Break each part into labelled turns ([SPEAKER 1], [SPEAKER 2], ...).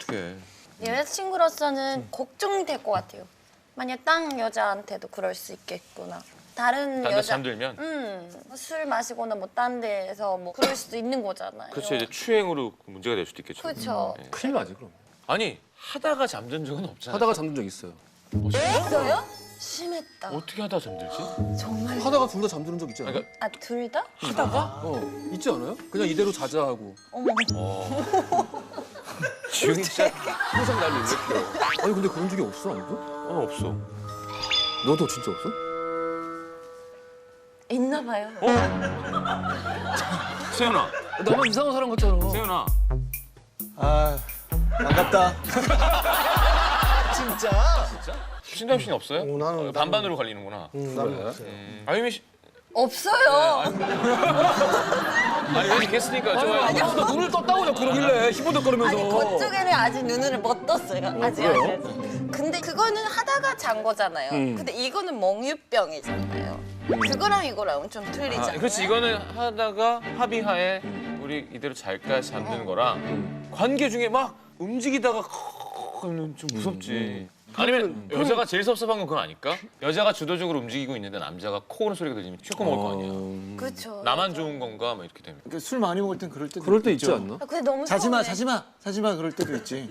[SPEAKER 1] 어떡해.
[SPEAKER 2] 여자친구로서는 걱정이 될 것 같아요. 만약 딴 여자한테도 그럴 수 있겠구나. 다른
[SPEAKER 1] 딴 데
[SPEAKER 2] 여자
[SPEAKER 1] 잠들면?
[SPEAKER 2] 술 마시거나 뭐 딴 데서 뭐 그럴 수도 있는 거잖아요.
[SPEAKER 1] 그렇죠. 이제 추행으로 문제가 될 수도 있겠죠.
[SPEAKER 2] 그렇죠.
[SPEAKER 3] 큰일 나지 그럼.
[SPEAKER 1] 아니 하다가 잠든 적은 없잖아요.
[SPEAKER 3] 하다가 잠든 적 있어요.
[SPEAKER 2] 있어요? 심했다.
[SPEAKER 1] 어떻게 하다 잠들지?
[SPEAKER 2] 정말.
[SPEAKER 3] 하다가 둘 다 잠드는 적 있지 않아요?
[SPEAKER 1] 그러니까
[SPEAKER 2] 둘 다?
[SPEAKER 1] 하다가?
[SPEAKER 3] 있지 않아요? 그냥 이대로 자자 하고.
[SPEAKER 2] 어머.
[SPEAKER 1] 진짜 항상 날 놀래켜.
[SPEAKER 3] 아니 근데 그런 적이 없어 아무도?
[SPEAKER 1] 없어.
[SPEAKER 3] 너도 진짜 없어?
[SPEAKER 2] 있나 봐요.
[SPEAKER 1] 세연아,
[SPEAKER 3] 나만 이상한 사람 같잖아.
[SPEAKER 1] 세연아.
[SPEAKER 4] 아, 반갑다. 진짜?
[SPEAKER 1] 신다임 씨는 없어요?
[SPEAKER 4] 나는
[SPEAKER 1] 반반으로 갈리는구나.
[SPEAKER 4] 나는 없어요.
[SPEAKER 1] 아유미 씨.
[SPEAKER 2] 없어요.
[SPEAKER 1] 아니 왜 게스트니까 좋아요.
[SPEAKER 3] 너 눈을 떴다고 그냥 그러길래 희보덕거리면서.
[SPEAKER 2] 아니 그쪽에는 아직 눈을 못 떴어요. 아직. 근데 그거는 하다가 잔 거잖아요. 근데 이거는 멍유병이잖아요. 그거랑 이거랑 좀 틀리잖아요.
[SPEAKER 1] 그렇지 이거는 하다가 합의하에 우리 이대로 잘까 잠드는 거랑 관계 중에 막 움직이다가 하면 좀 무섭지. 아니면 여자가 제일 섭섭한 건 그건 아닐까? 여자가 주도적으로 움직이고 있는데 남자가 코 고는 소리가 들리면 슈퍼 먹을 거 아니야.
[SPEAKER 2] 그렇죠.
[SPEAKER 1] 나만 좋은 건가? 막 이렇게 되면.
[SPEAKER 4] 그러니까 술 많이 먹을 땐 그럴 때도
[SPEAKER 3] 그럴 때 있지
[SPEAKER 4] 있죠.
[SPEAKER 3] 않나?
[SPEAKER 2] 근데 너무
[SPEAKER 4] 자지마,
[SPEAKER 2] 서운해.
[SPEAKER 4] 자지마, 자지마 그럴 때도 있지.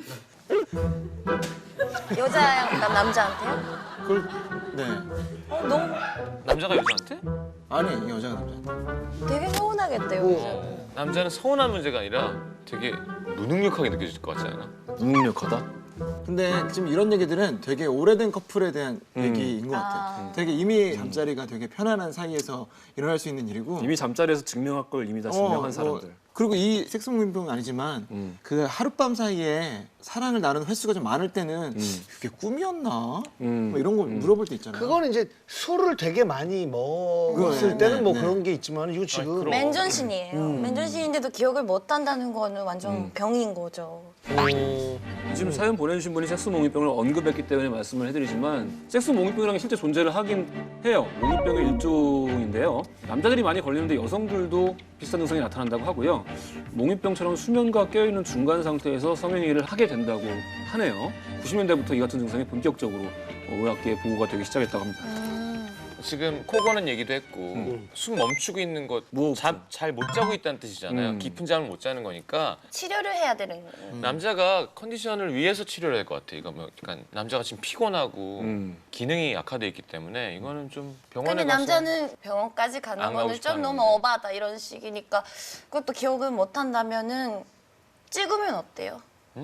[SPEAKER 2] 여자가 남자한테요?
[SPEAKER 4] 그걸 네.
[SPEAKER 2] 너무
[SPEAKER 1] 남자가 여자한테?
[SPEAKER 4] 아니 여자가 남자한테.
[SPEAKER 2] 되게 서운하겠대요.
[SPEAKER 1] 남자는 서운한 문제가 아니라 되게 무능력하게 느껴질 것 같지 않아?
[SPEAKER 3] 무능력하다?
[SPEAKER 4] 근데 지금 이런 얘기들은 되게 오래된 커플에 대한 얘기인 것 같아요. 되게 이미 잠자리가 되게 편안한 사이에서 일어날 수 있는 일이고.
[SPEAKER 3] 이미 잠자리에서 증명할 걸 이미 다 증명한 사람들.
[SPEAKER 4] 그리고 이 섹스무빙병은 아니지만 그 하룻밤 사이에 사랑을 나누는 횟수가 좀 많을 때는 그게 꿈이었나? 뭐 이런 거 물어볼 때 있잖아요.
[SPEAKER 5] 그거는 이제 술을 되게 많이 먹었을
[SPEAKER 4] 네,
[SPEAKER 5] 때는
[SPEAKER 4] 네,
[SPEAKER 5] 뭐
[SPEAKER 4] 네.
[SPEAKER 5] 그런 게 있지만 이거 지금
[SPEAKER 1] 그럼.
[SPEAKER 2] 맨전신이에요. 맨전신인데도 기억을 못 한다는 거는 완전 병인 거죠.
[SPEAKER 3] 지금 사연 보내주신 분이 섹스 몽유병을 언급했기 때문에 말씀을 해드리지만 섹스 몽유병이라는 게 실제 존재를 하긴 해요. 몽유병의 일종인데요. 남자들이 많이 걸리는데 여성들도 비슷한 증상이 나타난다고 하고요. 몽유병처럼 수면과 깨어있는 중간 상태에서 성행위를 하게 된다고 하네요. 90년대부터 이 같은 증상이 본격적으로 의학계에 보고가 되기 시작했다고 합니다.
[SPEAKER 1] 지금 코 고는 얘기도 했고 숨 멈추고 있는 것 잘 못 자고 있다는 뜻이잖아요. 깊은 잠을 못 자는 거니까
[SPEAKER 2] 치료를 해야 되는 거예요.
[SPEAKER 1] 남자가 컨디션을 위해서 치료를 할 것 같아. 이거 뭐 약간 남자가 지금 피곤하고 기능이 약화돼 있기 때문에 이거는 좀 병원에
[SPEAKER 2] 근데
[SPEAKER 1] 가서
[SPEAKER 2] 남자는 병원까지 가는
[SPEAKER 1] 안 가고
[SPEAKER 2] 거는
[SPEAKER 1] 싶어
[SPEAKER 2] 좀 너무
[SPEAKER 1] 하는데.
[SPEAKER 2] 어바다 이런 식이니까 그것도 기억을 못 한다면은 찍으면 어때요?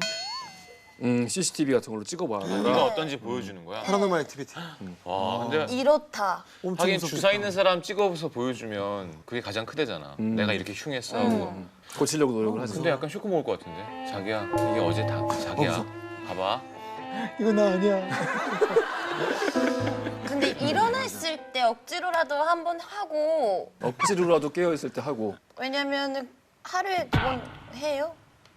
[SPEAKER 3] CCTV 같은 걸로 찍어봐.
[SPEAKER 1] 네가 어떤지 보여주는 거야.
[SPEAKER 4] 파라노멀 액티비티.
[SPEAKER 1] 와, 근데
[SPEAKER 2] 이렇다.
[SPEAKER 4] 엄청
[SPEAKER 1] 하긴
[SPEAKER 4] 무섭겠다.
[SPEAKER 1] 주사 있는 사람 찍어서 보여주면 그게 가장 크대잖아. 내가 이렇게 흉했어 하고.
[SPEAKER 3] 고치려고 노력을 하지.
[SPEAKER 1] 근데 약간 쇼크 먹을 것 같은데? 자기야, 이게 어제 다 자기야. 봐봐.
[SPEAKER 4] 이거 나 아니야.
[SPEAKER 2] 근데 일어났을 때 억지로라도 한번 하고
[SPEAKER 3] 억지로라도 깨어있을 때 하고.
[SPEAKER 2] 왜냐면은 하루에 2번 해요?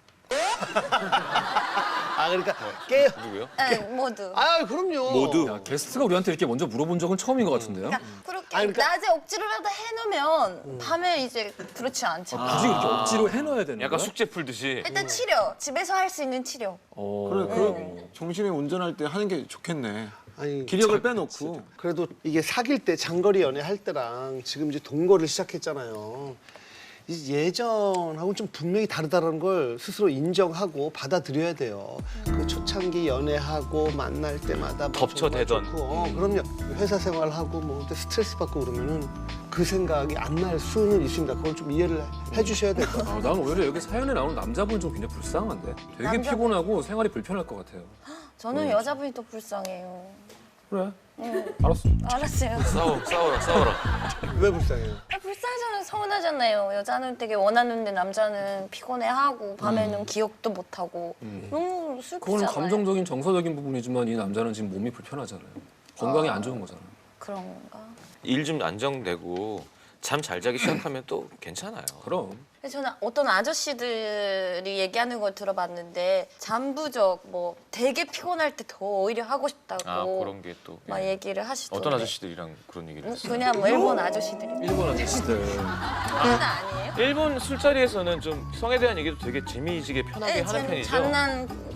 [SPEAKER 5] 아 그러니까 깨.
[SPEAKER 1] 누구요?
[SPEAKER 2] 네, 모두.
[SPEAKER 5] 아 그럼요.
[SPEAKER 3] 야, 게스트가 우리한테 이렇게 먼저 물어본 적은 처음인 것 같은데요?
[SPEAKER 2] 그러니까 그렇게
[SPEAKER 5] 아니, 그러니까-
[SPEAKER 2] 낮에 억지로라도 해놓으면 밤에 이제 그렇지 않죠.
[SPEAKER 3] 굳이 그렇게 억지로 해놔야 되는
[SPEAKER 1] 약간
[SPEAKER 3] 거야?
[SPEAKER 1] 숙제 풀듯이.
[SPEAKER 2] 일단 치료, 집에서 할 수 있는 치료.
[SPEAKER 4] 그래, 정신에 운전할 때 하는 게 좋겠네.
[SPEAKER 5] 아니
[SPEAKER 4] 기력을 빼놓고.
[SPEAKER 5] 그래도 이게 사귈 때 장거리 연애할 때랑 지금 이제 동거를 시작했잖아요. 이제 예전하고는 좀 분명히 다르다는 걸 스스로 인정하고 받아들여야 돼요. 그 초창기 연애하고 만날 때마다 막
[SPEAKER 1] 덮쳐대던.
[SPEAKER 5] 정말 좋고, 그럼요. 회사 생활하고 뭐 스트레스 받고 그러면은 그 생각이 안 날 수는 있습니다. 그걸 좀 이해를 해주셔야 될 것 같아요.
[SPEAKER 3] 난 오히려 여기 사연에 나오는 남자분 좀 굉장히 불쌍한데? 되게
[SPEAKER 2] 남자-
[SPEAKER 3] 피곤하고 생활이 불편할 것 같아요.
[SPEAKER 2] 저는 여자분이 더 불쌍해요.
[SPEAKER 3] 그래. 알았어.
[SPEAKER 2] 알았어요.
[SPEAKER 1] 싸워라.
[SPEAKER 5] 왜 불쌍해요?
[SPEAKER 2] 불쌍하잖아요. 서운하잖아요. 여자는 되게 원하는데 남자는 피곤해하고 밤에는 기억도 못하고 너무 슬프잖아요.
[SPEAKER 3] 그거는 감정적인 정서적인 부분이지만 이 남자는 지금 몸이 불편하잖아요. 건강이 안 좋은 거잖아요.
[SPEAKER 2] 그런가?
[SPEAKER 1] 일 좀 안정되고 잠 잘 자기 시작하면 또 괜찮아요.
[SPEAKER 3] 그럼.
[SPEAKER 2] 근데 저는 어떤 아저씨들이 얘기하는 걸 들어봤는데 잠부적 뭐 되게 피곤할 때 더 오히려 하고 싶다고
[SPEAKER 1] 아, 그런 게 또.
[SPEAKER 2] 막
[SPEAKER 1] 예.
[SPEAKER 2] 얘기를 하시던데.
[SPEAKER 1] 어떤 아저씨들이랑 그런 얘기를 했어요?
[SPEAKER 2] 그냥 뭐 일본 아저씨들이.
[SPEAKER 3] 일본 아저씨들.
[SPEAKER 2] 그건 아니에요?
[SPEAKER 1] 일본 술자리에서는 좀 성에 대한 얘기도 되게 재미지게 편하게 하는
[SPEAKER 2] 쟤는
[SPEAKER 1] 편이죠.
[SPEAKER 2] 장난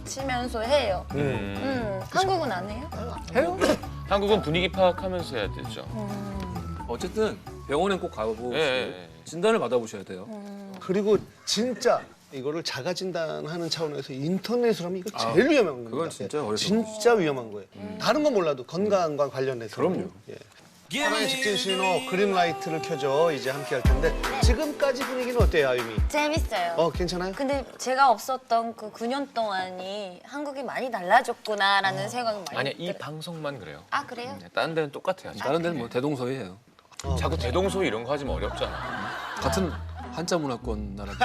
[SPEAKER 2] 맞추면서 해요. 한국은 안 해요?
[SPEAKER 3] 해요?
[SPEAKER 1] 한국은 분위기 파악하면서 해야 되죠.
[SPEAKER 3] 어쨌든 병원에 꼭 가보시고
[SPEAKER 1] 예.
[SPEAKER 3] 진단을 받아보셔야 돼요.
[SPEAKER 5] 그리고 진짜 이거를 자가 진단하는 차원에서 인터넷으로 하면 이거 제일 위험한 겁니다.
[SPEAKER 3] 그건 진짜 어려워.
[SPEAKER 5] 진짜 위험한 거예요. 다른 건 몰라도 건강과 관련해서.
[SPEAKER 3] 그럼요.
[SPEAKER 5] 예. 사랑의 직진 신호 그린라이트를 켜줘 이제 함께 할 텐데 지금까지 분위기는 어때요, 아유미?
[SPEAKER 2] 재밌어요.
[SPEAKER 5] 괜찮아요?
[SPEAKER 2] 근데 제가 없었던 그 9년 동안이 한국이 많이 달라졌구나라는 생각이 많이
[SPEAKER 1] 아니야, 이
[SPEAKER 2] 들어요.
[SPEAKER 1] 방송만 그래요.
[SPEAKER 2] 아, 그래요?
[SPEAKER 1] 다른 데는 똑같아요.
[SPEAKER 3] 다른 데는 뭐 대동소이해요.
[SPEAKER 1] 자꾸 대동소이 이런 거 하지 어렵잖아.
[SPEAKER 3] 같은 한자 문화권 나라인데.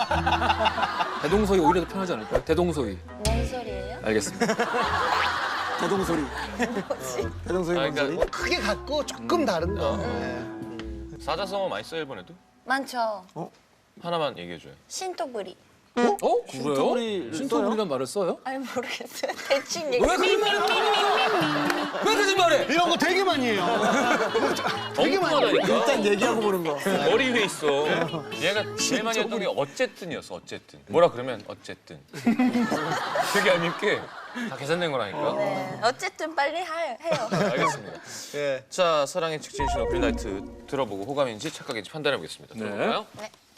[SPEAKER 3] 대동소이 오히려 더 편하지 않을까요? 대동소이.
[SPEAKER 2] 뭔 소리예요?
[SPEAKER 3] 알겠습니다.
[SPEAKER 4] 대동소리. 대동소리
[SPEAKER 1] 아니,
[SPEAKER 4] 뭔
[SPEAKER 1] 그러니까
[SPEAKER 4] 소리?
[SPEAKER 5] 뭐 크게 갖고 조금 다른 거. 예.
[SPEAKER 1] 사자성어 많이 써 일본에도?
[SPEAKER 2] 많죠.
[SPEAKER 1] 하나만 얘기해줘요.
[SPEAKER 2] 신토부리.
[SPEAKER 3] 그래요?
[SPEAKER 4] 신토부리를
[SPEAKER 3] 신토부리란 말을 써요?
[SPEAKER 2] 아니 모르겠어요. 대충 얘기.
[SPEAKER 3] 왜 거짓말해? 왜 거짓말해?
[SPEAKER 5] 이런 거 되게 많이 해요. 되게 많이 해요.
[SPEAKER 1] 엉뚱하다니까.
[SPEAKER 4] 일단 얘기하고 보는 거.
[SPEAKER 1] 머리 위에 있어. 얘가 제일 많이 했던 게 어쨌든이었어. 어쨌든. 뭐라 그러면 어쨌든. 되게 얄밉게 다 계산된 거라니까.
[SPEAKER 2] 네. 어쨌든 빨리 해요.
[SPEAKER 1] 알겠습니다.
[SPEAKER 5] 예.
[SPEAKER 1] 자, 사랑의 직진 신호 그린라이트 들어보고 호감인지 착각인지 판단해 보겠습니다.
[SPEAKER 3] 네.
[SPEAKER 1] 들어볼까요?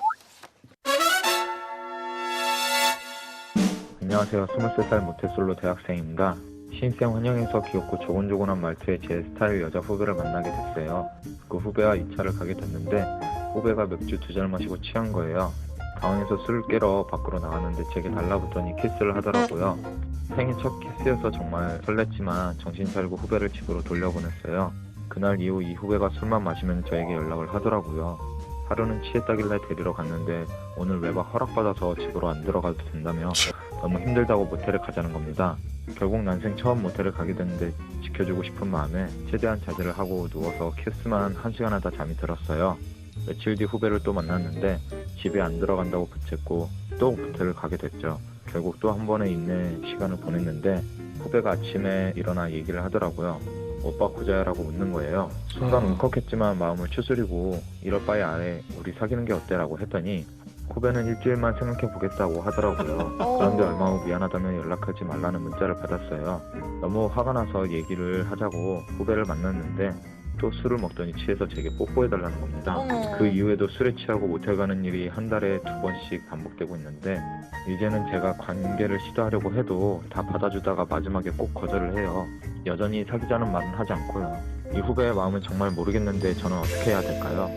[SPEAKER 6] 안녕하세요. 23살 모태솔로 대학생입니다. 신입생 환영회에서 귀엽고 조곤조곤한 말투의 제 스타일 여자 후배를 만나게 됐어요. 그 후배와 2차를 가게 됐는데 후배가 맥주 2잔을 마시고 취한 거예요. 가운에서 술을 깨러 밖으로 나갔는데 제게 달라붙더니 키스를 하더라고요. 생애 첫 키스여서 정말 설렜지만 정신 차리고 후배를 집으로 돌려보냈어요. 그날 이후 이 후배가 술만 마시면 저에게 연락을 하더라고요. 하루는 취했다길래 데리러 갔는데 오늘 외박 허락받아서 집으로 안 들어가도 된다며 너무 힘들다고 모텔에 가자는 겁니다. 결국 난생 처음 모텔을 가게 됐는데 지켜주고 싶은 마음에 최대한 자제를 하고 누워서 키스만 1시간 하다 잠이 들었어요. 며칠 뒤 후배를 또 만났는데 집에 안 들어간다고 부챘고 또 모텔을 가게 됐죠. 결국 또 한 번의 인내 시간을 보냈는데 후배가 아침에 일어나 얘기를 하더라고요. 오빠 구자야라고 묻는 거예요. 순간 울컥했지만 마음을 추스리고 이럴 바에 아예 우리 사귀는 게 어때라고 했더니 후배는 일주일만 생각해 보겠다고 하더라고요. 그런데 얼마 후 미안하다며 연락하지 말라는 문자를 받았어요. 너무 화가 나서 얘기를 하자고 후배를 만났는데 또 술을 먹더니 취해서 제게 뽀뽀해달라는 겁니다.
[SPEAKER 2] 어머.
[SPEAKER 6] 그 이후에도 술에 취하고 모텔 가는 일이 한 달에 2번씩 반복되고 있는데 이제는 제가 관계를 시도하려고 해도 다 받아주다가 마지막에 꼭 거절을 해요. 여전히 사귀자는 말은 하지 않고요. 이 후배의 마음은 정말 모르겠는데 저는 어떻게 해야 될까요?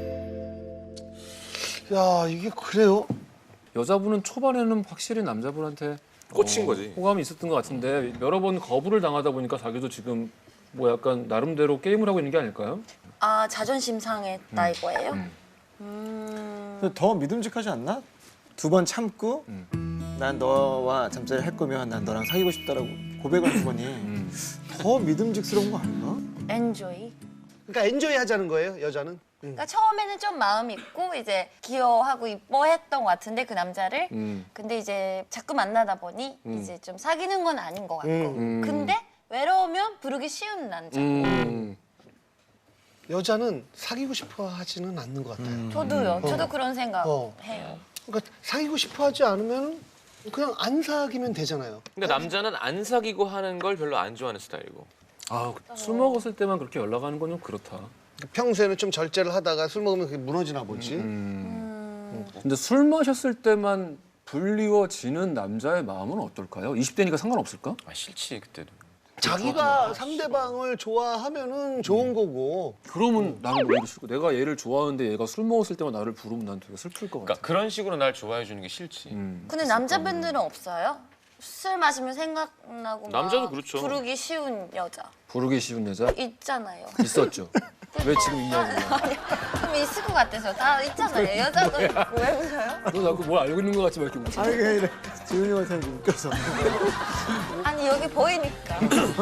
[SPEAKER 5] 야, 이게 그래요?
[SPEAKER 3] 여자분은 초반에는 확실히 남자분한테
[SPEAKER 1] 꽂힌 거지.
[SPEAKER 3] 호감이 있었던 것 같은데 여러 번 거부를 당하다 보니까 자기도 지금 뭐 약간 나름대로 게임을 하고 있는 게 아닐까요?
[SPEAKER 2] 아, 자존심 상했다 이거예요?
[SPEAKER 4] 근데 더 믿음직하지 않나? 2번 참고 난 너와 잠자리 할 거면 난 너랑 사귀고 싶다라고 고백을 한 거니 더 믿음직스러운 거 아닌가?
[SPEAKER 2] 엔조이.
[SPEAKER 5] 그러니까 엔조이 하자는 거예요, 여자는?
[SPEAKER 2] 그러니까 처음에는 좀 마음 있고 이제 귀여워하고 이뻐했던 것 같은데 그 남자를 근데 이제 자꾸 만나다 보니 이제 좀 사귀는 건 아닌 것 같고 근데 외로우면 부르기 쉬운 남자.
[SPEAKER 5] 여자는 사귀고 싶어 하지는 않는 것 같아요.
[SPEAKER 2] 저도요. 저도 그런 생각
[SPEAKER 5] 어.
[SPEAKER 2] 해요.
[SPEAKER 5] 그러니까 사귀고 싶어 하지 않으면 그냥 안 사귀면 되잖아요.
[SPEAKER 1] 근데 남자는 안 사귀고 하는 걸 별로 안 좋아하는 스타일이고.
[SPEAKER 3] 아, 술 먹었을 때만 그렇게 연락하는 건 좀 그렇다.
[SPEAKER 5] 평소에는 좀 절제를 하다가 술 먹으면 그게 무너지나 보지.
[SPEAKER 3] 근데 술 마셨을 때만 불리워지는 남자의 마음은 어떨까요? 20대니까 상관없을까?
[SPEAKER 1] 아, 싫지 그때도.
[SPEAKER 5] 자기가 상대방을 좋아하면은 좋은 거고.
[SPEAKER 3] 그러면 나는 오히려 싫고 내가 얘를 좋아하는데 얘가 술 먹었을 때만 나를 부르면 난 되게 슬플 것 같아.
[SPEAKER 1] 그러니까 그런 식으로 날 좋아해 주는 게 싫지.
[SPEAKER 2] 근데 남자분들은 없어요? 술 마시면 생각나고 막
[SPEAKER 1] 남자도 그렇죠.
[SPEAKER 2] 부르기 쉬운 여자
[SPEAKER 3] 부르기 쉬운 여자
[SPEAKER 2] 있잖아요.
[SPEAKER 3] 있었죠. 왜 지금 있냐고요.
[SPEAKER 2] 좀 있을 것 같아서 다 있잖아요. 여자도 있고 왜 웃어요?
[SPEAKER 3] 너 자꾸 뭘 알고 있는 것 같지 막 이렇게 웃어.
[SPEAKER 4] 아니 그게 아니라 지훈이 형한테 웃겨서
[SPEAKER 2] 아니 여기 보이니까.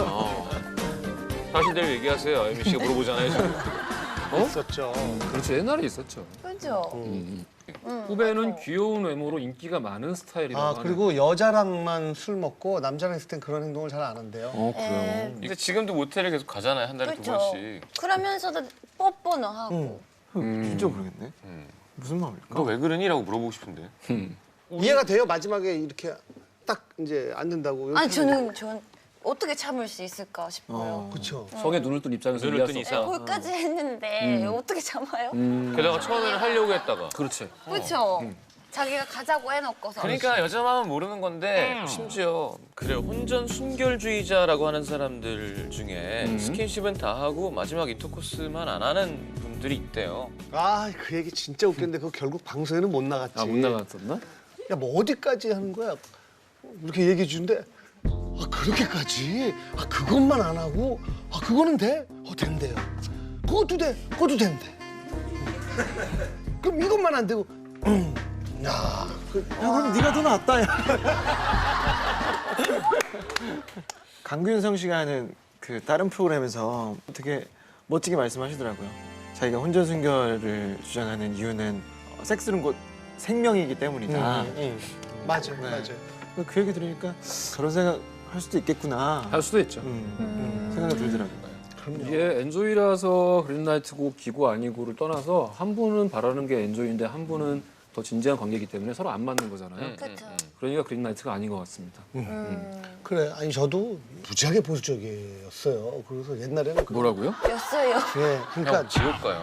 [SPEAKER 1] 사실대로 얘기하세요. 아유미 씨가 물어보잖아요 지금.
[SPEAKER 5] 있었죠.
[SPEAKER 3] 그렇죠. 옛날에 있었죠.
[SPEAKER 2] 그죠?
[SPEAKER 3] 후배는 귀여운 외모로 인기가 많은 스타일이라고
[SPEAKER 5] 아, 그리고 여자랑만 술 먹고 남자랑 있을 땐 그런 행동을 잘 안 한대요.
[SPEAKER 3] 그래요?
[SPEAKER 1] 근데 지금도 모텔을 계속 가잖아요. 한 달에
[SPEAKER 2] 그렇죠.
[SPEAKER 1] 2번씩.
[SPEAKER 2] 그러면서도 뽀뽀는 하고.
[SPEAKER 4] 진짜 모르겠네. 무슨 마음일까?
[SPEAKER 1] 너 왜 그러니? 라고 물어보고 싶은데.
[SPEAKER 5] 이해가 돼요? 마지막에 이렇게 딱 이제 앉는다고. 이렇게
[SPEAKER 2] 아니 전 어떻게 참을 수 있을까 싶어요.
[SPEAKER 5] 그렇죠.
[SPEAKER 3] 성에 눈을 뜬 입장에서
[SPEAKER 1] 눈을
[SPEAKER 3] 이해할
[SPEAKER 1] 뜬
[SPEAKER 3] 수
[SPEAKER 1] 이상.
[SPEAKER 3] 없다.
[SPEAKER 2] 거기까지 했는데 어떻게 참아요?
[SPEAKER 1] 게다가 처음에는 하려고 했다가.
[SPEAKER 3] 그렇지.
[SPEAKER 2] 그렇죠. 자기가 가자고 해놓고서.
[SPEAKER 1] 그러니까 여자 마음은 모르는 건데 심지어 그래 혼전 순결주의자라고 하는 사람들 중에 스킨십은 다 하고 마지막 인터코스만 안 하는 분들이 있대요.
[SPEAKER 5] 아, 그 얘기 진짜 웃겼는데 그거 결국 방송에는 못 나갔지.
[SPEAKER 3] 아, 못 나갔었나?
[SPEAKER 5] 야, 뭐 어디까지 하는 거야? 이렇게 얘기해 주는데 아, 그렇게까지? 아, 그것만 안 하고? 아, 그거는 돼? 된대요. 그것도 돼? 그것도 된대. 그럼 이것만 안 되고 야,
[SPEAKER 4] 그럼 네가 더 낫다. 야. 강균성 씨가 하는 그 다른 프로그램에서 되게 멋지게 말씀하시더라고요. 자기가 혼전 순결을 주장하는 이유는 섹스는 곧 생명이기 때문이다.
[SPEAKER 5] 맞아,
[SPEAKER 4] 네.
[SPEAKER 5] 맞아.
[SPEAKER 4] 그 얘기 들으니까 그런 생각 할 수도 있겠구나.
[SPEAKER 3] 할 수도 있죠.
[SPEAKER 4] 생각이 들더라고요.
[SPEAKER 3] 이게 엔조이라서 그린라이트고 기고 아니고를 떠나서 한 분은 바라는 게 엔조이인데 한 분은 더 진지한 관계이기 때문에 서로 안 맞는 거잖아요.
[SPEAKER 2] 그렇죠.
[SPEAKER 3] 그러니까 그린라이트가 아닌 것 같습니다.
[SPEAKER 5] 그래, 아니 저도 무지하게 보수적이었어요. 그래서 옛날에는
[SPEAKER 3] 뭐라고요?
[SPEAKER 2] 였어요.
[SPEAKER 5] 예, 그러니까
[SPEAKER 1] 형 지옥 가요.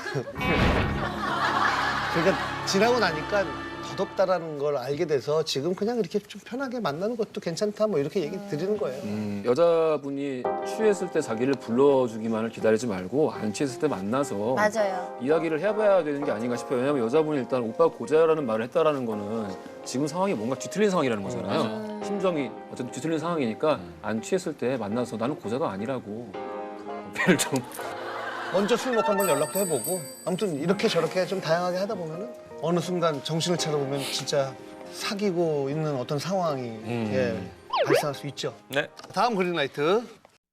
[SPEAKER 5] 그러니까 지나고 나니까 더덥다라는 걸 알게 돼서 지금 그냥 이렇게 좀 편하게 만나는 것도 괜찮다 뭐 이렇게 얘기 드리는 거예요.
[SPEAKER 3] 여자분이 취했을 때 자기를 불러주기만을 기다리지 말고 안 취했을 때 만나서
[SPEAKER 2] 맞아요.
[SPEAKER 3] 이야기를 해봐야 되는 게 아닌가 싶어요. 왜냐하면 여자분이 일단 오빠 고자라는 말을 했다라는 거는 지금 상황이 뭔가 뒤틀린 상황이라는 거잖아요. 심정이 어쨌든 뒤틀린 상황이니까 안 취했을 때 만나서 나는 고자가 아니라고 배를 좀
[SPEAKER 5] 먼저 술 먹고 한번 연락도 해보고 아무튼 이렇게 저렇게 좀 다양하게 하다 보면은 어느 순간 정신을 차려보면 진짜 사귀고 있는 어떤 상황이 예, 발생할 수 있죠.
[SPEAKER 1] 네.
[SPEAKER 5] 다음 그린라이트.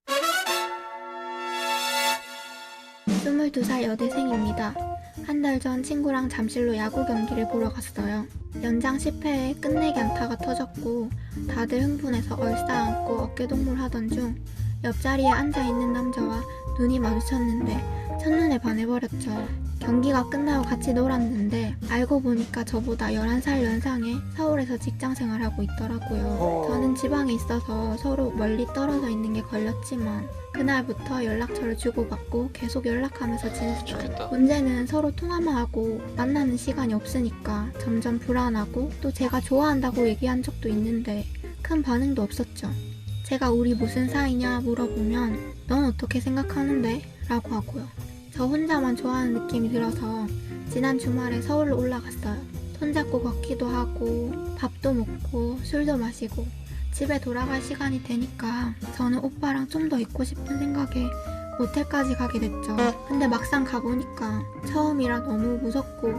[SPEAKER 7] 22살 여대생입니다. 한 달 전 친구랑 잠실로 야구 경기를 보러 갔어요. 연장 10회에 끝내기 안타가 터졌고 다들 흥분해서 얼싸안고 어깨동무를 하던 중 옆자리에 앉아있는 남자와 눈이 마주쳤는데 첫눈에 반해버렸죠. 경기가 끝나고 같이 놀았는데 알고 보니까 저보다 11살 연상에 서울에서 직장 생활하고 있더라고요. 저는 지방에 있어서 서로 멀리 떨어져 있는 게 걸렸지만 그날부터 연락처를 주고받고 계속 연락하면서 지냈어요.
[SPEAKER 1] 좋겠다.
[SPEAKER 7] 문제는 서로 통화만 하고 만나는 시간이 없으니까 점점 불안하고 또 제가 좋아한다고 얘기한 적도 있는데 큰 반응도 없었죠. 제가 우리 무슨 사이냐 물어보면 넌 어떻게 생각하는데? 라고 하고요. 저 혼자만 좋아하는 느낌이 들어서 지난 주말에 서울로 올라갔어요. 손잡고 걷기도 하고 밥도 먹고 술도 마시고 집에 돌아갈 시간이 되니까 저는 오빠랑 좀 더 있고 싶은 생각에 모텔까지 가게 됐죠. 근데 막상 가보니까 처음이라 너무 무섭고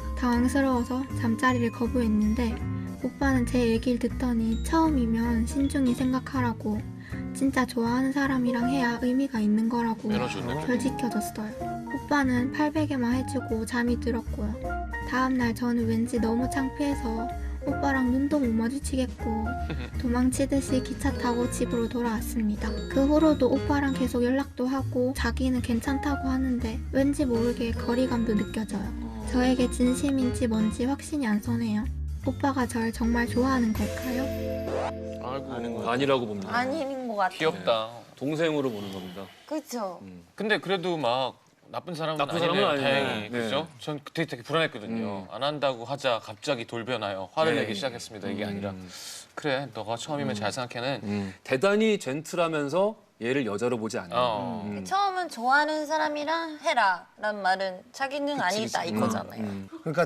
[SPEAKER 7] 당황스러워서 잠자리를 거부했는데 오빠는 제 얘기를 듣더니 처음이면 신중히 생각하라고 진짜 좋아하는 사람이랑 해야 의미가 있는 거라고
[SPEAKER 1] 매너 좋네.
[SPEAKER 7] 절 지켜줬어요. 오빠는 800에만 해주고 잠이 들었고요. 다음날 저는 왠지 너무 창피해서 오빠랑 눈도 못 마주치겠고 도망치듯이 기차 타고 집으로 돌아왔습니다. 그 후로도 오빠랑 계속 연락도 하고 자기는 괜찮다고 하는데 왠지 모르게 거리감도 느껴져요. 저에게 진심인지 뭔지 확신이 안 서네요. 오빠가 절 정말 좋아하는 걸까요?
[SPEAKER 1] 아이고.
[SPEAKER 3] 아니라고 봅니다.
[SPEAKER 2] 아닌 것 같아요.
[SPEAKER 1] 귀엽다.
[SPEAKER 3] 동생으로 보는 겁니다.
[SPEAKER 2] 그렇죠.
[SPEAKER 1] 근데 그래도 막 나쁜 사람은
[SPEAKER 3] 나쁜 사람은
[SPEAKER 1] 아니네요.
[SPEAKER 3] 아니네.
[SPEAKER 1] 다행히.
[SPEAKER 3] 네.
[SPEAKER 1] 그죠? 전 그때 되게 불안했거든요. 안 한다고 하자 갑자기 돌변하여 화를 내기 시작했습니다. 이게 아니라 그래 너가 처음이면 잘 생각해는
[SPEAKER 3] 대단히 젠틀하면서 얘를 여자로 보지 않는.
[SPEAKER 2] 처음은 좋아하는 사람이랑 해라 라는 말은 자기는 아니다 이거잖아요.
[SPEAKER 5] 그러니까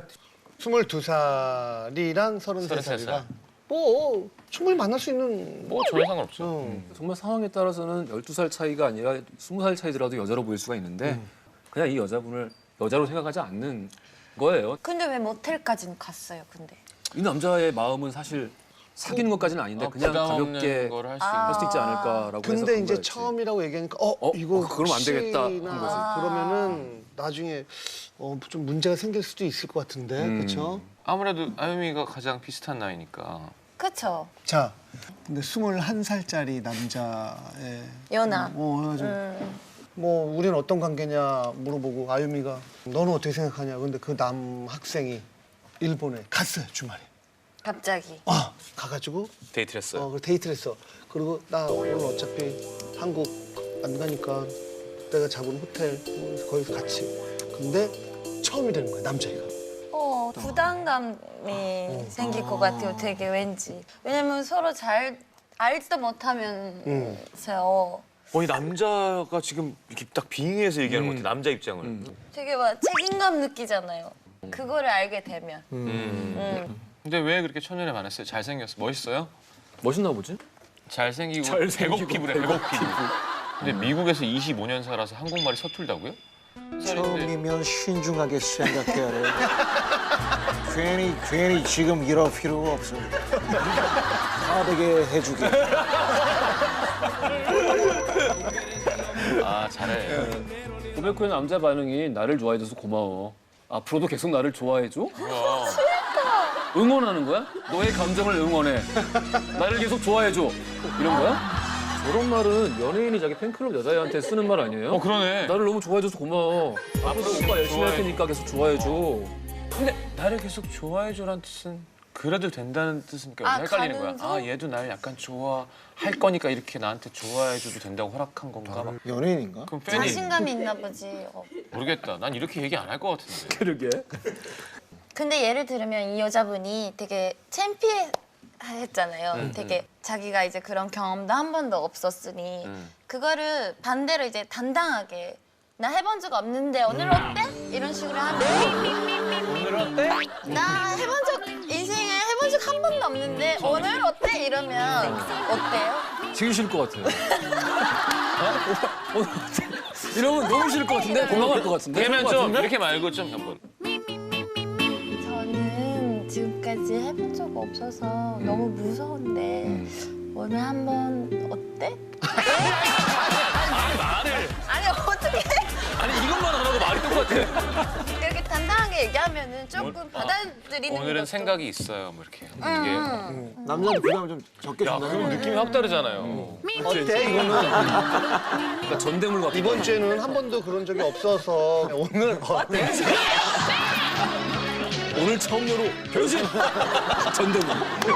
[SPEAKER 5] 22살이랑 33살이랑
[SPEAKER 1] 33살.
[SPEAKER 5] 뭐 충분히 만날 수 있는
[SPEAKER 1] 뭐 전혀 상관없죠.
[SPEAKER 3] 정말 상황에 따라서는 12살 차이가 아니라 20살 차이더라도 여자로 보일 수가 있는데 그냥 이 여자분을 여자로 생각하지 않는 거예요.
[SPEAKER 2] 근데 왜 모텔까지는 갔어요? 근데
[SPEAKER 3] 이 남자의 마음은 사실 사귀는 것까지는 아닌데 그냥
[SPEAKER 1] 부담
[SPEAKER 3] 가볍게
[SPEAKER 1] 없는 걸 할 수
[SPEAKER 3] 할 수
[SPEAKER 1] 있는.
[SPEAKER 3] 있지 않을까라고 해서
[SPEAKER 5] 근데
[SPEAKER 3] 간
[SPEAKER 5] 이제
[SPEAKER 3] 거였지.
[SPEAKER 5] 처음이라고 얘기하니까 이거
[SPEAKER 3] 그러면 안 되겠다 한
[SPEAKER 5] 혹시나
[SPEAKER 3] 거지.
[SPEAKER 5] 그러면은 나중에 좀 문제가 생길 수도 있을 것 같은데 그렇죠?
[SPEAKER 1] 아무래도 아유미가 가장 비슷한 나이니까.
[SPEAKER 2] 그쵸?
[SPEAKER 5] 자, 근데 21살짜리 남자의
[SPEAKER 2] 연하.
[SPEAKER 5] 그래가지고 뭐 우리는 어떤 관계냐 물어보고 아유미가 너는 어떻게 생각하냐. 근데 그 남 학생이 일본에 갔어요 주말에.
[SPEAKER 2] 갑자기.
[SPEAKER 5] 가가지고
[SPEAKER 1] 데이트를 했어요.
[SPEAKER 5] 그 데이트를 했어. 그리고 나 오늘 어차피 한국 안 가니까 내가 잡은 호텔 거기서 같이. 근데 처음이 되는 거야 남자애가.
[SPEAKER 2] 부담감이 생길 것 같아요. 되게 왠지. 왜냐면 서로 잘 알지도 못하면서
[SPEAKER 1] 이 남자가 지금 이렇게 딱 빙의해서 얘기하는 것 같아. 남자 입장을.
[SPEAKER 2] 되게 막 책임감 느끼잖아요. 그거를 알게 되면.
[SPEAKER 1] 근데 왜 그렇게 첫눈에 반했어요? 잘생겼어. 멋있어요?
[SPEAKER 3] 멋있나 보지?
[SPEAKER 1] 잘생기고
[SPEAKER 3] 잘생기고
[SPEAKER 1] 백옥 피부래. 백옥 피부. 근데 미국에서 25년 살아서 한국말이 서툴다고요?
[SPEAKER 4] 처음이면 신중하게 생각해야 돼. 괜히 지금 이럴 필요가 없어. 다르게 해주게.
[SPEAKER 1] 아 잘해.
[SPEAKER 3] 고백 후에 남자 반응이 나를 좋아해줘서 고마워. 앞으로도 계속 나를 좋아해줘? 응원하는 거야? 너의 감정을 응원해. 나를 계속 좋아해줘. 이런 거야? 저런 말은 연예인이 자기 팬클럽 여자애한테 쓰는 말 아니에요?
[SPEAKER 1] 그러네.
[SPEAKER 3] 나를 너무 좋아해줘서 고마워. 앞으로도 오빠 열심히 할 테니까 계속 좋아해줘.
[SPEAKER 1] 근데 나를 계속 좋아해줘란 뜻은 그래도 된다는 뜻이니까 헷갈리는 거야.
[SPEAKER 2] 가능성?
[SPEAKER 1] 얘도 날 약간 좋아할 거니까 이렇게 나한테 좋아해줘도 된다고 허락한 건가? 막.
[SPEAKER 4] 연예인인가?
[SPEAKER 1] 그럼 팬이
[SPEAKER 2] 자신감이 있나 보지.
[SPEAKER 1] 모르겠다. 난 이렇게 얘기 안 할 것 같은데.
[SPEAKER 3] 그러게.
[SPEAKER 2] 근데 예를 들면 이 여자분이 되게 창피했잖아요. 되게 자기가 이제 그런 경험도 한 번도 없었으니 그거를 반대로 이제 당당하게 나 해본 적 없는데 오늘 어때? 이런 식으로 하면
[SPEAKER 1] 오늘 어때?
[SPEAKER 2] 나 해본 적 인생에 해본 적 한 번도 없는데 오늘 어때? 이러면 어때요?
[SPEAKER 3] 되게 싫을 것 같아요. 이러면 너무 싫을 것 같은데? 고마울 것 같은데?
[SPEAKER 1] 그러면
[SPEAKER 3] 그럴 것
[SPEAKER 1] 좀
[SPEAKER 3] 같은데?
[SPEAKER 1] 이렇게 말고 좀 한번.
[SPEAKER 2] 저는 지금까지 해본 적 없어서 너무 무서운데 오늘 한번 어때?
[SPEAKER 1] 말을.
[SPEAKER 2] 아니 어떻게
[SPEAKER 1] 아니 이것만 안 하고 말이 똑같아.
[SPEAKER 2] 이렇게 당당하게 얘기하면은 조금 받아들이는
[SPEAKER 1] 오늘은
[SPEAKER 2] 것도
[SPEAKER 1] 생각이 있어요. 뭐 이렇게. 이게.
[SPEAKER 4] 남자한테 부담을 좀 적게
[SPEAKER 1] 야
[SPEAKER 4] 준다는
[SPEAKER 1] 그럼
[SPEAKER 4] 거야.
[SPEAKER 1] 느낌이 확 다르잖아요.
[SPEAKER 5] 어때 이거는?
[SPEAKER 3] 그러니까 전대물 같은
[SPEAKER 5] 이번 주에는 한 번도 그런 적이 없어서 오늘 어때?
[SPEAKER 3] 오늘 처음으로 변신! 전대물.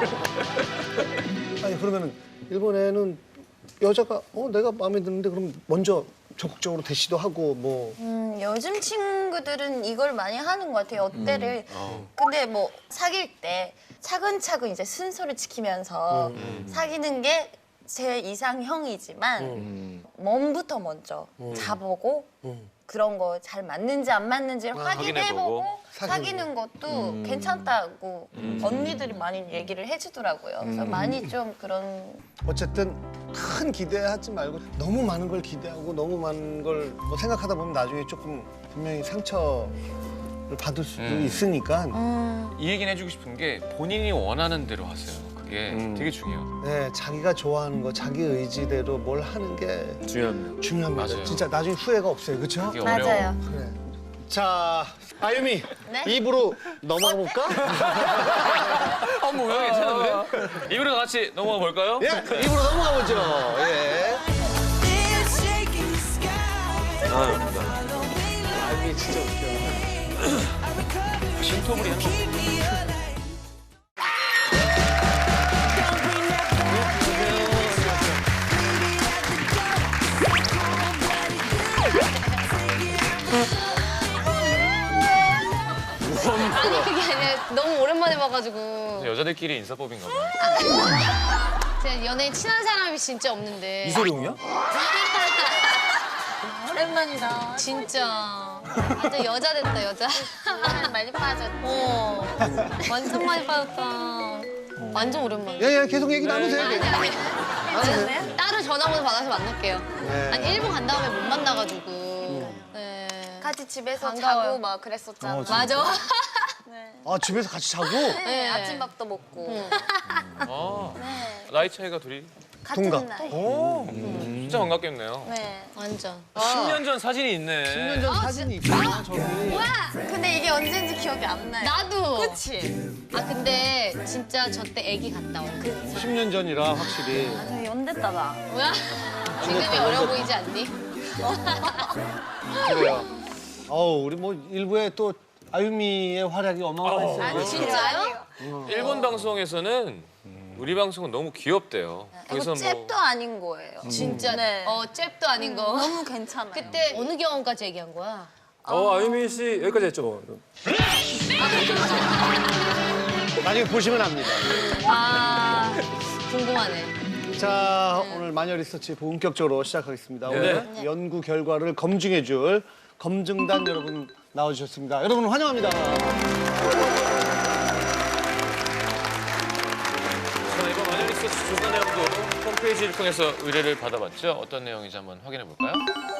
[SPEAKER 5] 아니 그러면은 일본에는 여자가 내가 마음에 드는데 그럼 먼저 적극적으로 대시도 하고 뭐
[SPEAKER 2] 요즘 친구들은 이걸 많이 하는 것 같아요. 어때를. 근데 뭐 사귈 때 차근차근 이제 순서를 지키면서 사귀는 게 제 이상형이지만 몸부터 먼저 자보고 그런 거 잘 맞는지 안 맞는지를 확인해보고 사귀는 것도 괜찮다고 언니들이 많이 얘기를 해주더라고요. 그래서 많이 좀 그런
[SPEAKER 5] 어쨌든 큰 기대하지 말고 너무 많은 걸 기대하고 너무 많은 걸 뭐 생각하다 보면 나중에 조금 분명히 상처를 받을 수도 있으니까
[SPEAKER 1] 이 얘기는 해주고 싶은 게 본인이 원하는 대로 하세요. 그게 되게 중요해요.
[SPEAKER 5] 네, 자기가 좋아하는 거 자기 의지대로 뭘 하는 게
[SPEAKER 3] 중요합니다.
[SPEAKER 5] 중요합니다.
[SPEAKER 1] 맞아요.
[SPEAKER 5] 진짜 나중에 후회가 없어요. 그렇죠?
[SPEAKER 1] 그게 어려워.
[SPEAKER 2] 맞아요.
[SPEAKER 5] 그래. 자, 아유미
[SPEAKER 2] 네?
[SPEAKER 5] 입으로 넘어가 볼까?
[SPEAKER 1] 뭐야 괜찮은데? 입으로 같이 넘어가 볼까요?
[SPEAKER 5] 예, 입으로 넘어가 보죠. 예. 아유미 진짜 웃겨.
[SPEAKER 1] 신토부리 한 번.
[SPEAKER 8] 아니 그게 아니라 너무 오랜만에 봐가지고
[SPEAKER 1] 여자들끼리 인사법인가 봐요.
[SPEAKER 8] 제가 연예인 친한 사람이 진짜 없는데
[SPEAKER 3] 이소룡이야?
[SPEAKER 2] 오랜만이다.
[SPEAKER 8] 진짜 완전 여자 됐다 여자.
[SPEAKER 2] 많이 빠졌지.
[SPEAKER 8] 완전 많이 빠졌다. 완전 오랜만이야.
[SPEAKER 5] 예, 예, 계속 얘기 나누세요.
[SPEAKER 8] 아니 아니. 따로 전화번호 받아서 만날게요.
[SPEAKER 5] 네.
[SPEAKER 8] 아니 일본 간 다음에 못 만나가지고. 네.
[SPEAKER 2] 같이 집에서
[SPEAKER 8] 반가워요.
[SPEAKER 2] 자고 막 그랬었잖아.
[SPEAKER 8] 맞아.
[SPEAKER 5] 아, 집에서 같이 자고?
[SPEAKER 2] 네, 아침밥도 먹고.
[SPEAKER 1] 아,
[SPEAKER 2] 네.
[SPEAKER 1] 나이 차이가 둘이
[SPEAKER 2] 같은
[SPEAKER 5] 동갑.
[SPEAKER 2] 나이.
[SPEAKER 1] 진짜 반갑겠네요.
[SPEAKER 2] 네.
[SPEAKER 8] 완전.
[SPEAKER 1] 10년 전 사진이 있네.
[SPEAKER 5] 10년 전 사진이 있구나, 저기.
[SPEAKER 2] 근데 이게 언제인지 기억이 안 나요.
[SPEAKER 8] 나도.
[SPEAKER 2] 그치?
[SPEAKER 8] 아 근데 진짜 저 때 애기 갔다 온.
[SPEAKER 5] 10년 전이라 확실히.
[SPEAKER 2] 아, 저 연됐다 나.
[SPEAKER 8] 뭐야? 지금이 어려 보이지 않니?
[SPEAKER 5] 그래요. 우리 뭐 일부에 또 아유미의 활약이 어마어마했어요.
[SPEAKER 2] 아니,
[SPEAKER 8] 진짜요?
[SPEAKER 1] 일본 방송에서는 우리 방송은 너무 귀엽대요.
[SPEAKER 2] 이거 잽도 아닌 거예요.
[SPEAKER 8] 진짜
[SPEAKER 2] 네.
[SPEAKER 8] 잽도 아닌 거.
[SPEAKER 2] 너무 괜찮아요.
[SPEAKER 8] 그때 어느 경험까지 얘기한 거야?
[SPEAKER 3] 아유미 씨 여기까지 했죠.
[SPEAKER 5] 나중에 보시면 압니다.
[SPEAKER 8] 아 궁금하네.
[SPEAKER 5] 자, 오늘 마녀 리서치 본격적으로 시작하겠습니다. 오늘 연구 결과를 검증해줄 검증단 여러분 나와주셨습니다. 여러분 환영합니다.
[SPEAKER 1] 자, 이번 마녀 리서치 조사 내용도 홈페이지를 통해서 의뢰를 받아봤죠. 어떤 내용인지 한번 확인해 볼까요?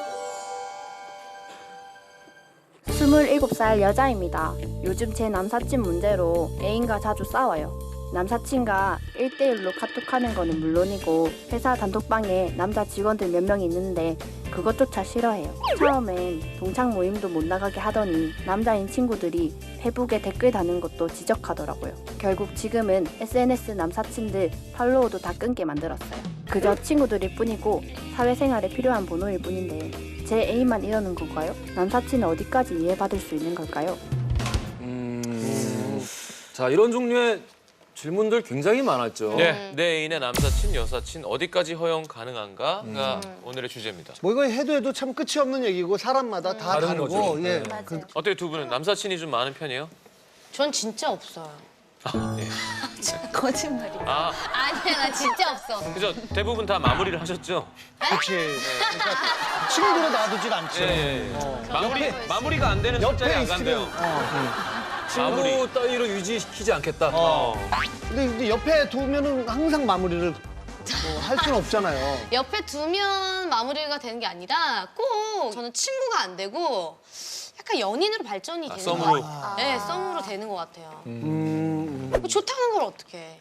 [SPEAKER 9] 27살 여자입니다. 요즘 제 남사친 문제로 애인과 자주 싸워요. 남사친과 1대1로 카톡하는 거는 물론이고 회사 단톡방에 남자 직원들 몇 명 있는데 그것조차 싫어해요. 처음엔 동창 모임도 못 나가게 하더니 남자인 친구들이 페북에 댓글 다는 것도 지적하더라고요. 결국 지금은 SNS 남사친들 팔로우도 다 끊게 만들었어요. 그저 친구들일 뿐이고 사회생활에 필요한 번호일 뿐인데 제 애인만 이러는 건가요? 남사친은 어디까지 이해받을 수 있는 걸까요?
[SPEAKER 3] 자, 이런 종류의 질문들 굉장히 많았죠.
[SPEAKER 1] 네, 내 애인의 남사친, 여사친 어디까지 허용 가능한가가 오늘의 주제입니다.
[SPEAKER 5] 뭐 이거 해도 참 끝이 없는 얘기고 사람마다 다
[SPEAKER 3] 다른
[SPEAKER 5] 다르고
[SPEAKER 3] 거죠.
[SPEAKER 5] 예.
[SPEAKER 3] 네.
[SPEAKER 2] 맞아요.
[SPEAKER 1] 어떻게 두 분은 남사친이 좀 많은 편이에요?
[SPEAKER 8] 전 진짜 없어요.
[SPEAKER 1] 예.
[SPEAKER 2] 거짓말이야.
[SPEAKER 1] 아,
[SPEAKER 8] 아니야 나 진짜 없어.
[SPEAKER 1] 그죠? 대부분 다 마무리를 하셨죠?
[SPEAKER 5] 그렇지. 그러니까 친구로 놔두질 않죠.
[SPEAKER 1] 마무리가 안 되는
[SPEAKER 5] 옆에
[SPEAKER 1] 숫자에 안
[SPEAKER 5] 있으면
[SPEAKER 1] 간대요. 마무리.
[SPEAKER 3] 친구 따위로 유지시키지 않겠다.
[SPEAKER 5] 근데 이제 옆에 두면은 항상 마무리를 할 수는 없잖아요.
[SPEAKER 8] 옆에 두면 마무리가 되는 게 아니라 꼭 저는 친구가 안 되고 약간 연인으로 발전이 되는 것
[SPEAKER 1] 썸으로.
[SPEAKER 8] 같아요. 네, 썸으로 되는 것 같아요. 뭐 좋다는 걸 어떻게?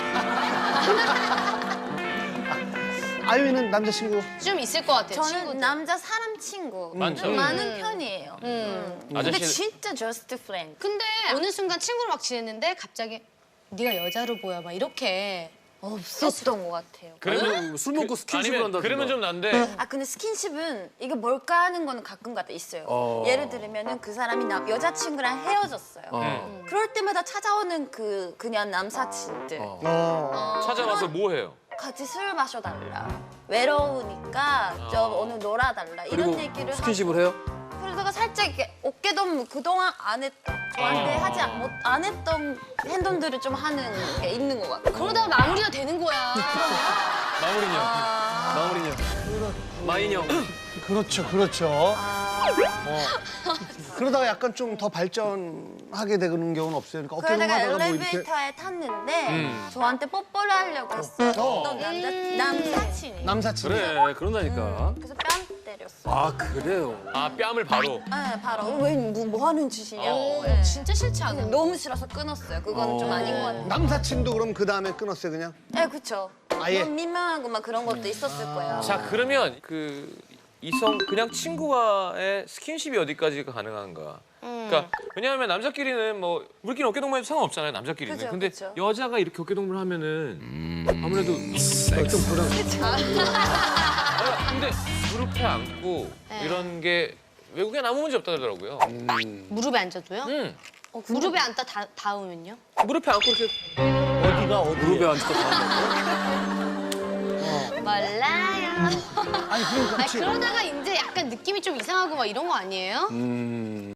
[SPEAKER 5] 아유미는 남자친구
[SPEAKER 8] 좀 있을 것 같아요.
[SPEAKER 2] 저는
[SPEAKER 8] 친구들.
[SPEAKER 2] 남자 사람 친구
[SPEAKER 1] 많죠.
[SPEAKER 2] 좀 많은 편이에요. 근데
[SPEAKER 1] 아저씨-
[SPEAKER 2] 진짜 just friend.
[SPEAKER 8] 근데 어느 순간 친구로 막 지냈는데 갑자기 네가 여자로 보여 막 이렇게
[SPEAKER 2] 없었던 것 같아요.
[SPEAKER 1] 그러면
[SPEAKER 3] 술 먹고 스킨십을
[SPEAKER 1] 아니면
[SPEAKER 3] 한다든가.
[SPEAKER 1] 그러면 좀 난데
[SPEAKER 2] 아 근데 스킨십은 이게 뭘까 하는 거는 가끔가다 있어요. 예를 들면은 그 사람이 여자친구랑 헤어졌어요. 그럴 때마다 찾아오는 그냥 남사친들
[SPEAKER 1] 찾아와서 뭐 해요?
[SPEAKER 2] 같이 술 마셔달라. 외로우니까 좀 오늘 놀아달라 이런
[SPEAKER 3] 그리고
[SPEAKER 2] 얘기를
[SPEAKER 3] 스킨십을 해요?
[SPEAKER 2] 그러다가 살짝 이렇게 어깨동 그동안 안 했던 저한테 하지 안 했던 행동들을 좀 하는 게 있는 것 같아요.
[SPEAKER 8] 그러다가 마무리가 되는 거야.
[SPEAKER 3] 마무리녀. 마무리녀. 마이녀.
[SPEAKER 5] 그렇죠, 그렇죠. 그러다가 약간 좀 더 발전하게 되는 경우는 없어요. 그러니까 어깨
[SPEAKER 2] 그러다가
[SPEAKER 5] 동무하다가 뭐 이렇게
[SPEAKER 2] 엘리베이터에 탔는데 저한테 뽀뽀를 하려고 했어요. 어떤 남사친이.
[SPEAKER 5] 남사친.
[SPEAKER 3] 그래, 그런다니까.
[SPEAKER 2] 그래서 뺨 때렸어요.
[SPEAKER 3] 아, 그래요?
[SPEAKER 1] 아, 뺨을 바로.
[SPEAKER 2] 네, 바로 뭐 하는 짓이냐고. 네.
[SPEAKER 8] 진짜 싫지 않아?
[SPEAKER 2] 너무 싫어서 끊었어요. 그건 좀 아닌 것 같아요.
[SPEAKER 5] 남사친도 그럼 그 다음에 끊었어요, 그냥?
[SPEAKER 2] 네, 그쵸.
[SPEAKER 5] 아예?
[SPEAKER 2] 너무 민망하고 막 그런 것도 있었을 거예요.
[SPEAKER 1] 자, 그러면 이성 그냥 친구와의 스킨십이 어디까지가 가능한가? 그러니까 왜냐하면 남자끼리는 뭐 우리끼리 어깨 동무해도 상관없잖아요. 남자끼리는.
[SPEAKER 2] 그죠,
[SPEAKER 1] 근데
[SPEAKER 2] 그죠.
[SPEAKER 1] 여자가 이렇게 어깨 동무를 하면은 아무래도
[SPEAKER 5] 좀 불안.
[SPEAKER 1] 근데 무릎에 앉고 이런 게 외국엔 아무 문제 없다더라고요.
[SPEAKER 8] 무릎에 앉아도요? 무릎에 앉다 닿으면요?
[SPEAKER 1] 무릎에 앉고 이렇게
[SPEAKER 5] 어디가 어디?
[SPEAKER 3] 무릎에 앉았다.
[SPEAKER 8] 몰라요.
[SPEAKER 5] 아니, 그러니까.
[SPEAKER 8] 아니, 그러다가 이제 약간 느낌이 좀 이상하고 막 이런 거 아니에요?